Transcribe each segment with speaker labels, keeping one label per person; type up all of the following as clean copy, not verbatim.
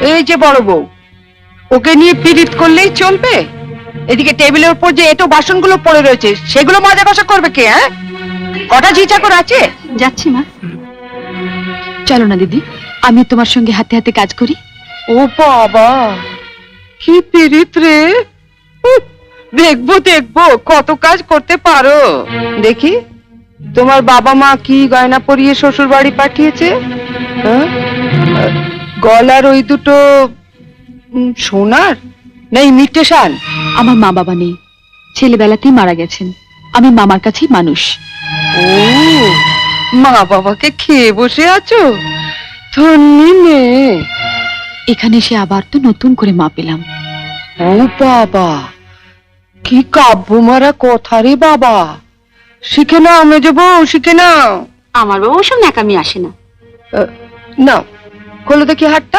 Speaker 1: এই যে বড় বউ, ওকে নিয়ে পীড়িত করলেই চলবে? এদিকে টেবিলের উপর যে এটো বাসনগুলো পড়ে রয়েছে সেগুলো মাজা কষা করবে কে? হ্যাঁ, কটা ঝি চাকর আছে?
Speaker 2: যাচ্ছি মা। চলো না দিদি, আমি তোমার সঙ্গে হাতে হাতে কাজ করি।
Speaker 1: ও বাবা, কি পীড়িত রে! উহ, দেখবো দেখবো কত কাজ করতে পারো। দেখি তোমার বাবা মা কি গয়না পরিয়ে শ্বশুর বাড়ি পাঠিয়েছে। হ্যাঁ? গলার ওই দুটো সোনার না ইমিটেশন?
Speaker 2: আমার মা বাবা নেই, ছেলেবেলাতেই মারা গেছেন। আমি মামার কাছেই মানুষ।
Speaker 1: ও, মা বাবাকে খেয়ে বসে আছো? ধন্যি মেয়ে।
Speaker 2: এখানে এসে আবার তো নতুন করে মা পেলাম।
Speaker 1: ও বাবা, কি কাব্য মারা কথা রে বাবা! শিখে নাও মেজো বউ, শিখে নাও।
Speaker 2: আমার বাবা ওসব ন্যাকামি আসে না।
Speaker 1: নাও, খোলো দেখি হাতটা।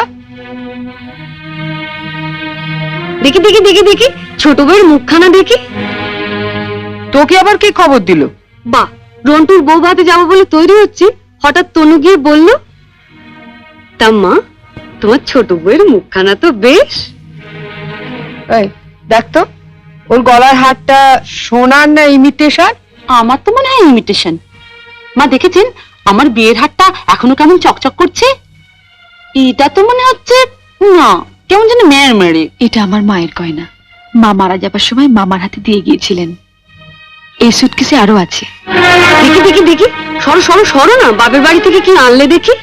Speaker 2: দেখি দেখি দেখি দেখি, ছোট বউয়ের মুখখানা দেখি।
Speaker 1: তোকে আবার কি খবর দিল?
Speaker 2: বাহ, রন্টুর বউ ভাতে যাবো বলে তৈরি হচ্ছে, হঠাৎ তনু গিয়ে বলল, তা মা তোমার ছোট বউয়ের মুখখানা তো বেশ।
Speaker 1: এই দেখ তো, ওর গলার হারটা সোনার না ইমিটেশন?
Speaker 2: আমার তো মনে হয় ইমিটেশন। মা দেখেছেন আমার বিয়ের হারটা এখনো কেমন চকচক করছে? এটা তো মনে হচ্ছে না, কেমন যেন মেয়ের মেরে। এটা আমার মায়ের গয়না, মা মারা যাবার সময় মামার হাতে দিয়ে গিয়েছিলেন। এই সুটকেসে আরো আছে। দেখি দেখি দেখি, সরো সরো সরো না, বাপের বাড়ি থেকে কি আনলে দেখি।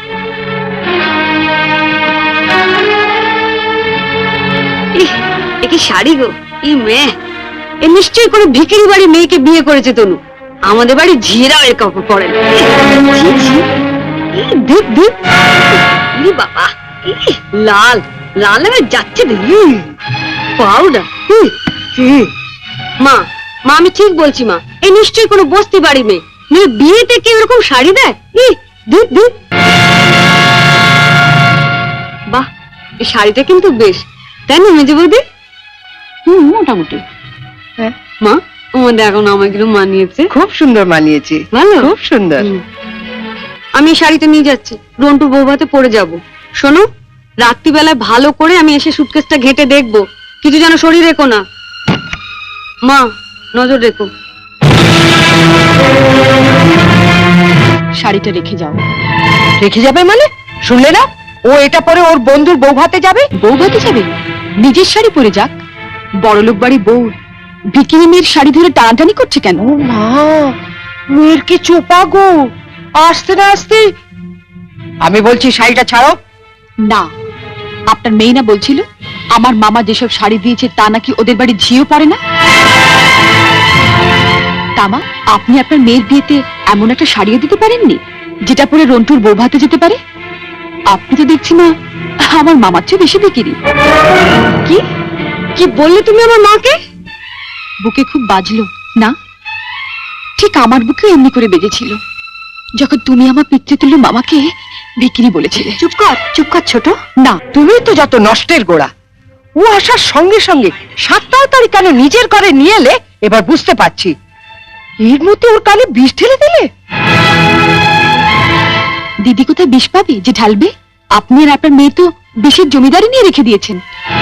Speaker 2: এ কি শাড়ি গো! ই মেয়ে, এ নিশ্চয়ই করে ভিখিরি বাড়ি মেয়েকে বিয়ে করেছে তনু। আমাদের বাড়ি ঝিরা এর কাপড় পরে না। দেখ দেখ, বাবা লাল লাল হয়ে যাচ্ছে দেখি পাউডার। মা মা আমি ঠিক বলছি মা, এই নিশ্চয়ই কোনো বস্তি বাড়ি মেয়ে, মেয়ে বিয়েতে কেউ এরকম শাড়ি দেয়? দেখ দেখ, বাহ, এই শাড়িটা কিন্তু বেশ, তাই না মেজে বৌদি? মোটামুটি।
Speaker 1: হ্যাঁ
Speaker 2: মা, আমাদের এখন আমাকে মানিয়েছে।
Speaker 1: খুব সুন্দর মানিয়েছে,
Speaker 2: ভালো,
Speaker 1: খুব সুন্দর।
Speaker 2: আমি এই শাড়িটা নিয়ে যাচ্ছি, রন্টু বৌভাতে পরে যাব। শোনো, রাত্রিবেলায় ভালো করে আমি এসে সুটকেসটা ঘেটে দেখবো, কিছু যেন শরীর রেখো না। মা নজর রেখো। শাড়িটা রেখে যাও।
Speaker 1: রেখে যাবে মানে? শুনলে না, ও এটা পরে ওর বন্ধুর বউ ভাতে যাবে।
Speaker 2: বউ ভাতে যাবে? নিজের শাড়ি পরে যাক। বড়লোক বাড়ি বউ ভিকিরি মেয়ের শাড়ি ধরে টানাটানি করছে কেন?
Speaker 1: ও মা, মেয়ের কি চোপা গো! আসতে না আসতে আমি বলছি শাড়িটা ছাড়ো।
Speaker 2: না, আপনার মেয়ে না বলছিল আমার মামা যেসব শাড়ি দিয়েছে তা নাকি ওদের বাড়ি ঝিও পড়ে না? তামা, আপনি আপনার মেয়ের বিয়েতে এমন একটা শাড়িও দিতে পারেননি যেটা পরে রন্টুর বউ ভাতে যেতে পারে? আপনি তো দেখছি না আমার মামার চেয়ে বেশি বিকিরি। কি কি বললে তুমি আমার মাকে? বুকে খুব বাজলো না? ঠিক আমার বুকে এমনি করে বেজেছিল যখন তুমি আমার পিতৃতুল্য মামাকে বিকিরি বলেছিলে। চুপ কর ছোট। না,
Speaker 1: তুমি তো যত নষ্টের গোড়া। ও আসার সঙ্গে সঙ্গে 7 তাড়াতাড়ি কেন নিজের ঘরে নিয়ে এলে এবার বুঝতে পারছি। এর মধ্যে ওর কানে বিষ ঢেলে দিলে।
Speaker 2: দিদি কোথায় বিষ পাবে যে ঢালবে? আপনি আর আপনার মেয়ে তো বিষের জমিদারি নিয়ে রেখে দিয়েছেন।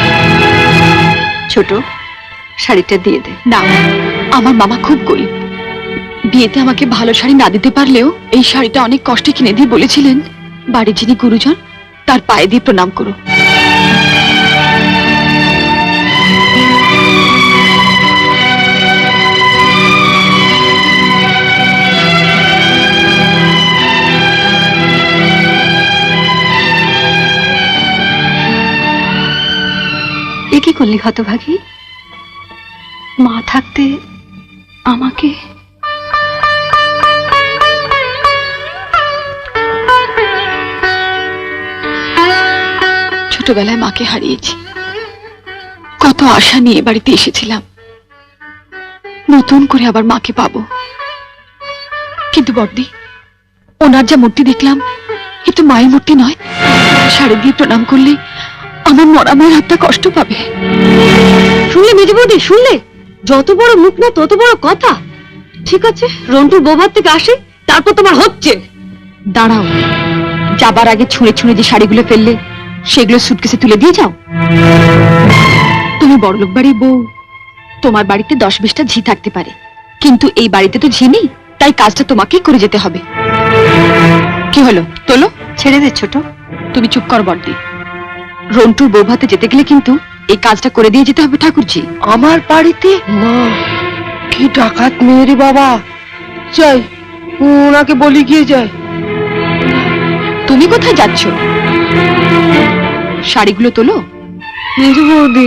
Speaker 2: ছোট, শাড়িটা দিয়ে দে। না, আমার মামা খুব গরিব, বিয়েতে আমাকে ভালো শাড়ি না দিতে পারলেও এই শাড়িটা অনেক কষ্টে কিনে দিয়ে বলেছিলেন বাড়ির যিনি গুরুজন তার পায়ে দিয়ে প্রণাম করো। এ কি করলি হতভাগী? মা থাকতে আমাকে ছোটবেলায় মাকে হারিয়েছি, কত আশা নিয়ে বাড়িতে এসেছিলাম, নতুন করে আবার মাকে পাবো। কিন্তু বড়দি, ওনার যা মূর্তি দেখলাম এ তো মায়ের মূর্তি নয়। শাড়ি দিয়ে প্রণাম করলে আমার মরা মায়ের হাতটা কষ্ট পাবে। শুনলে মেজে বৌদি, শুনলে? যত বড় মুখ না তত বড় কথা। ঠিক আছে, রন্টুর বৌভাত থেকে আসে, তারপর তোমার হচ্ছে। দাঁড়াও, যাবার আগে ছুঁড়ে ছুঁড়ে যে শাড়িগুলো ফেললে সেগুলো সুটকেসে তুলে দিয়ে যাও। তুমি বড়লোক বাড়ির বউ, তোমার বাড়িতে 10-20টা ঝি থাকতে পারে, কিন্তু এই বাড়িতে তো ঝি নেই, তাই কাজটা তোমাকেই করে যেতে হবে। কি হলো, তোলো। ছেড়ে দে ছোট। তুমি চুপ কর বড়দি। রন্টুর বউ ভাতে যেতে গেলে কিন্তু এই কাজটা করে দিয়ে যেতে হবে ঠাকুরজি।
Speaker 1: আমার বাড়িতে? মা, কি ডাকাত মেয়ে রে বাবা। যাই, ওনাকে বলি গিয়ে যায়।
Speaker 2: তুমি কোথায় যাচ্ছ? শাড়িগুলো তোলো।
Speaker 1: মেজো বৌদি,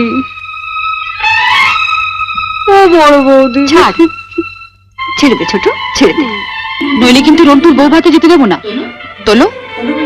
Speaker 1: ও বড় বৌদি,
Speaker 2: ছাড়, ছেড়ে দে ছোট, ছেড়ে দে, নইলে কিন্তু রন্টুর বউ ভাতে যেতে দেবো না। তোলো।